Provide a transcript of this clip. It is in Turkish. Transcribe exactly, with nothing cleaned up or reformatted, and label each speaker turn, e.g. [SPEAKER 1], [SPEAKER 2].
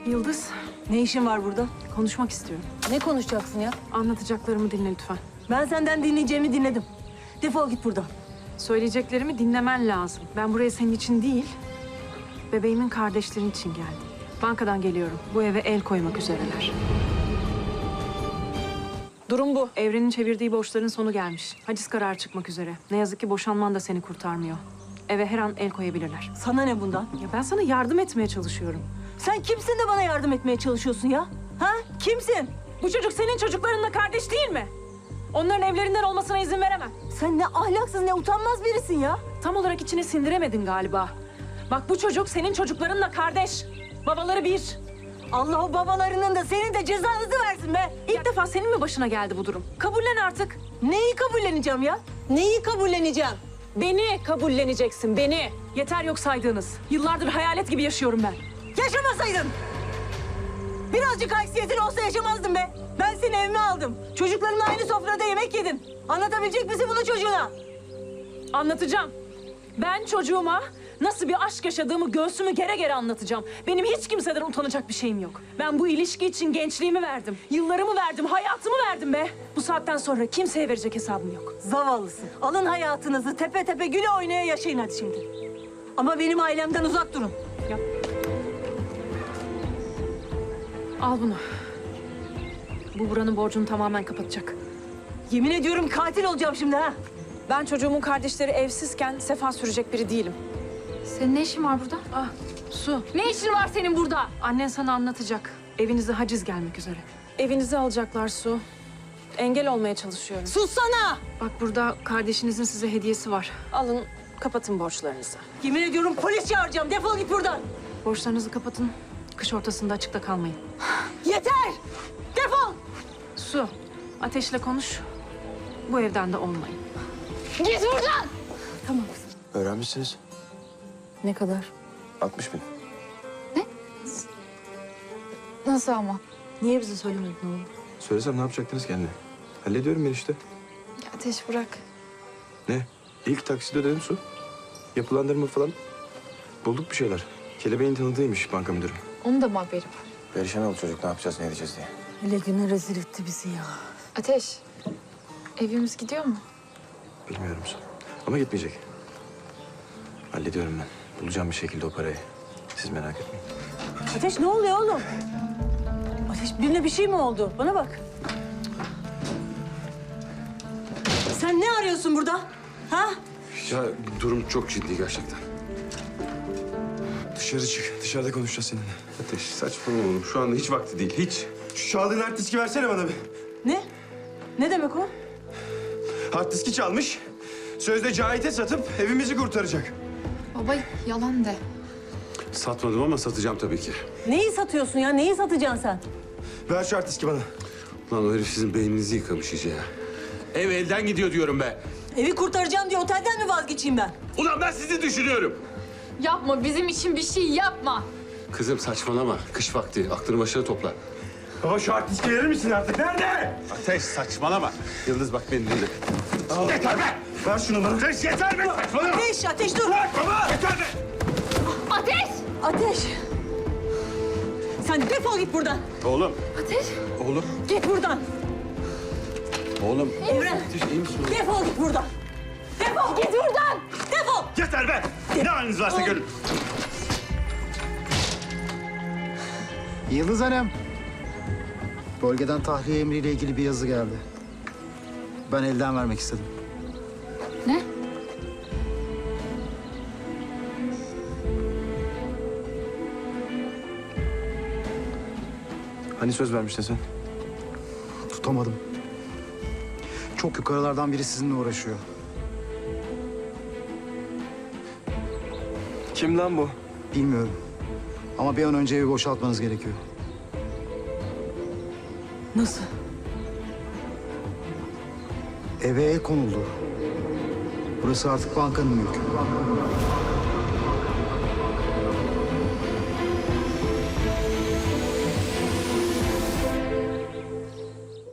[SPEAKER 1] Yıldız,
[SPEAKER 2] Ne işin var burada?
[SPEAKER 1] konuşmak istiyorum.
[SPEAKER 2] Ne konuşacaksın ya?
[SPEAKER 1] Anlatacaklarımı dinle lütfen.
[SPEAKER 2] Ben senden dinleyeceğimi dinledim. Defol git buradan.
[SPEAKER 1] Söyleyeceklerimi dinlemen lazım. Ben buraya senin için değil, bebeğimin kardeşlerin için geldim. Bankadan geliyorum. Bu eve el koymak üzereler. Durum bu. Evrenin çevirdiği borçların sonu gelmiş. Haciz kararı çıkmak üzere. Ne yazık ki boşanman da seni kurtarmıyor. Eve her an el koyabilirler.
[SPEAKER 2] Sana ne bundan?
[SPEAKER 1] Ya ben sana yardım etmeye çalışıyorum.
[SPEAKER 2] Sen kimsin de bana yardım etmeye çalışıyorsun ya? Ha? Kimsin?
[SPEAKER 1] Bu çocuk senin çocuklarınla kardeş değil mi? Onların evlerinden olmasına izin veremem.
[SPEAKER 2] Sen ne ahlaksız ne utanmaz birisin ya.
[SPEAKER 1] Tam olarak içine sindiremedin galiba. Bak bu çocuk senin çocuklarınla kardeş. Babaları bir.
[SPEAKER 2] Allah o babalarının da senin de cezanızı versin be.
[SPEAKER 1] İlk defa senin mi başına geldi bu durum? Kabullen artık.
[SPEAKER 2] Neyi kabulleneceğim ya? Neyi kabulleneceğim?
[SPEAKER 1] Beni kabulleneceksin, beni. Yeter yok saydığınız. Yıllardır hayalet gibi yaşıyorum ben.
[SPEAKER 2] Yaşamasaydın. Birazcık haysiyetin olsa yaşamazdın be. Ben seni evime aldım. Çocuklarımla aynı sofrada yemek yedin. Anlatabilecek misin bunu çocuğuna?
[SPEAKER 1] Anlatacağım. Ben çocuğuma nasıl bir aşk yaşadığımı göğsümü gere gere anlatacağım. Benim hiç kimseden utanacak bir şeyim yok. Ben bu ilişki için gençliğimi verdim. Yıllarımı verdim, hayatımı verdim be. Bu saatten sonra kimseye verecek hesabım yok.
[SPEAKER 2] Zavallısın. Alın hayatınızı tepe tepe güle oynaya yaşayın hadi şimdi. Ama benim ailemden uzak durun.
[SPEAKER 1] Yap. Al bunu. Bu buranın borcunu tamamen kapatacak.
[SPEAKER 2] Yemin ediyorum katil olacağım şimdi ha.
[SPEAKER 1] Ben çocuğumun kardeşleri evsizken sefa sürecek biri değilim.
[SPEAKER 3] Senin ne işin var burada?
[SPEAKER 1] Ah, Su.
[SPEAKER 3] Ne işin var senin burada?
[SPEAKER 1] Annen sana anlatacak. Evinize haciz gelmek üzere. Evinizi alacaklar Su. Engel olmaya çalışıyorum.
[SPEAKER 2] Sussana!
[SPEAKER 1] Bak burada kardeşinizin size hediyesi var. Alın, kapatın borçlarınızı.
[SPEAKER 2] Yemin ediyorum polis çağıracağım. Defol git buradan.
[SPEAKER 1] Borçlarınızı kapatın. Kış ortasında açıkta kalmayın.
[SPEAKER 2] Yeter! Defol!
[SPEAKER 1] Su, Ateş'le konuş. Bu evden de olmayın.
[SPEAKER 3] Git buradan!
[SPEAKER 2] Tamam kızım.
[SPEAKER 4] Öğrenmişsiniz.
[SPEAKER 2] Ne kadar?
[SPEAKER 4] altmış bin.
[SPEAKER 3] Nasıl ama?
[SPEAKER 2] Niye bize söylemedin oğlum?
[SPEAKER 4] Söylesem ne yapacaktınız kendine? Hallediyorum ben işte.
[SPEAKER 3] Ya Ateş bırak.
[SPEAKER 4] Ne? İlk takside ödedim Su. Yapılandırma falan. Bulduk bir şeyler. Kelebeğin tanıdığıymış banka müdürü.
[SPEAKER 3] Onun da mı haberi var?
[SPEAKER 4] Perişan oldu çocuk, ne yapacağız ne edeceğiz diye.
[SPEAKER 2] Hele güne rezil etti bizi ya.
[SPEAKER 3] Ateş, evimiz gidiyor mu?
[SPEAKER 4] Bilmiyorum Su. Ama gitmeyecek. Hallediyorum ben. Bulacağım bir şekilde o parayı. Siz merak etmeyin.
[SPEAKER 2] Ateş ne oluyor oğlum? Ateş birine bir şey mi oldu? Bana bak. Sen ne arıyorsun burada? Ha?
[SPEAKER 4] Ya durum çok ciddi gerçekten. Dışarı çık. Dışarıda konuşacağız seninle. Ateş saçmalama oğlum. Şu anda hiç vakti değil. Hiç. Şu çaldığın hard diski versene bana bir.
[SPEAKER 2] Ne? Ne demek o?
[SPEAKER 4] Hard diski çalmış. Sözde Cahit'e satıp evimizi kurtaracak.
[SPEAKER 3] Baba yalan de.
[SPEAKER 4] Satmadım ama satacağım tabii ki.
[SPEAKER 2] Neyi satıyorsun ya? Neyi satacaksın sen?
[SPEAKER 4] Ver şu hard diski bana.
[SPEAKER 5] Lan o herif sizin beyninizi yıkamış iyice ya. Ev elden gidiyor diyorum be.
[SPEAKER 2] Evi kurtaracağım diye otelden mi vazgeçeyim ben?
[SPEAKER 5] Ulan ben sizi düşünüyorum.
[SPEAKER 3] Yapma, bizim için bir şey yapma.
[SPEAKER 5] Kızım saçmalama. Kış vakti. Aklını başına topla.
[SPEAKER 4] Baba şu hard diski verir misin artık? Nerede?
[SPEAKER 5] Ateş saçmalama. Yıldız bak beni dinle.
[SPEAKER 4] Yeter be! Ver şunu bana.
[SPEAKER 5] Ateş yeter be saçmalama.
[SPEAKER 2] Ateş, ateş dur!
[SPEAKER 5] Bırak baba. Yeter be.
[SPEAKER 3] Ateş!
[SPEAKER 2] Ateş! Sen defol git buradan.
[SPEAKER 5] Oğlum.
[SPEAKER 3] Ateş!
[SPEAKER 5] Oğlum.
[SPEAKER 2] Git buradan.
[SPEAKER 5] Oğlum.
[SPEAKER 2] Evren,
[SPEAKER 5] Ateş iyi misin?
[SPEAKER 2] defol git buradan. Defol git buradan. Defol.
[SPEAKER 5] Yeter be. Ne haliniz varsa görün.
[SPEAKER 6] Yıldız Hanım. Bölgeden tahliye emriyle ilgili bir yazı geldi. Ben elden vermek istedim.
[SPEAKER 3] Ne?
[SPEAKER 4] Hani söz vermiştin sen?
[SPEAKER 6] Tutamadım. Çok yukarılardan biri sizinle uğraşıyor.
[SPEAKER 4] Kim lan bu?
[SPEAKER 6] Bilmiyorum. Ama bir an önce evi boşaltmanız gerekiyor.
[SPEAKER 2] Nasıl?
[SPEAKER 6] Eve el konuldu. Burası artık bankanın mülkü.